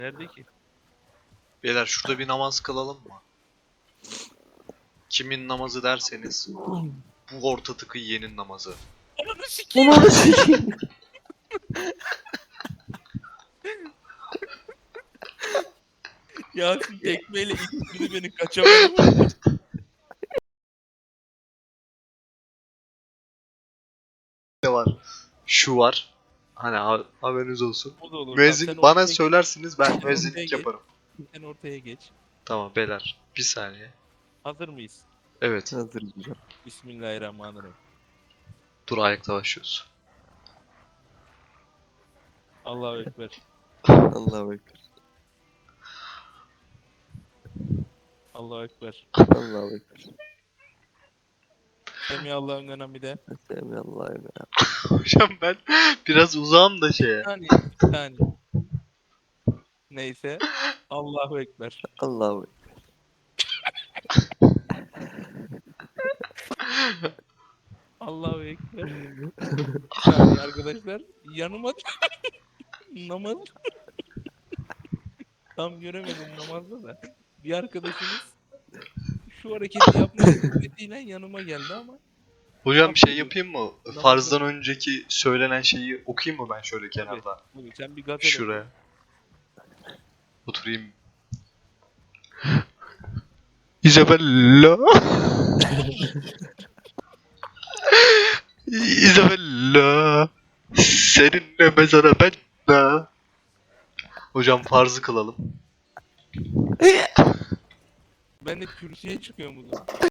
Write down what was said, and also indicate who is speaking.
Speaker 1: Nerede ki?
Speaker 2: Beyler şurada bir namaz kılalım mı? Kimin namazı derseniz bu orta tıkı yiyenin namazı.
Speaker 1: Ananı sikeyim.
Speaker 3: Onu sikeyim.
Speaker 1: Yasin tekmeyle ittirdi beni, kaçamadım.
Speaker 2: Ne var? Şu var. Hani haberiniz olsun.
Speaker 1: O da olur.
Speaker 2: Müezzin
Speaker 1: Tamam,
Speaker 2: bana
Speaker 1: ortaya
Speaker 2: söylersiniz ben
Speaker 1: ortaya
Speaker 2: müezzinlik
Speaker 1: geç.
Speaker 2: yaparım.
Speaker 1: Sen ortaya geç.
Speaker 2: Tamam beyler. Bir saniye.
Speaker 1: Hazır mıyız?
Speaker 2: Evet.
Speaker 3: Hazırız hocam.
Speaker 1: Bismillahirrahmanirrahim.
Speaker 2: Dur ayakta başlıyoruz.
Speaker 1: Allahu Ekber.
Speaker 3: Allahu Ekber.
Speaker 1: Allahu Ekber.
Speaker 3: Allahu Ekber.
Speaker 1: Semihallahü limen hamide.
Speaker 3: Allahu Ekber.
Speaker 2: Hocam ben biraz uzağım da
Speaker 1: Bir
Speaker 2: şeye.
Speaker 1: saniye. Bir saniye. Neyse. Allahu Ekber.
Speaker 3: Allahu Ekber.
Speaker 1: Allahu Ekber. Bir saniye arkadaşlar. Yanıma namaz. Tam göremedim namazda da. Bir arkadaşımız şu hareketi yapmak istediğiyle yanıma geldi ama
Speaker 2: Hocam bir şey
Speaker 1: Yapıyorum.
Speaker 2: yapayım mı?
Speaker 1: Namazda-
Speaker 2: Farzdan önceki söylenen şeyi okuyayım mı ben şöyle kenarda?
Speaker 1: Bugün sen bir gazel oku.
Speaker 2: Şuraya. Oturayım. Isabella. Isabella. Seninle mezara ben de. Hocam farzı kılalım.
Speaker 1: Ben de kürsüye çıkıyorum o zaman.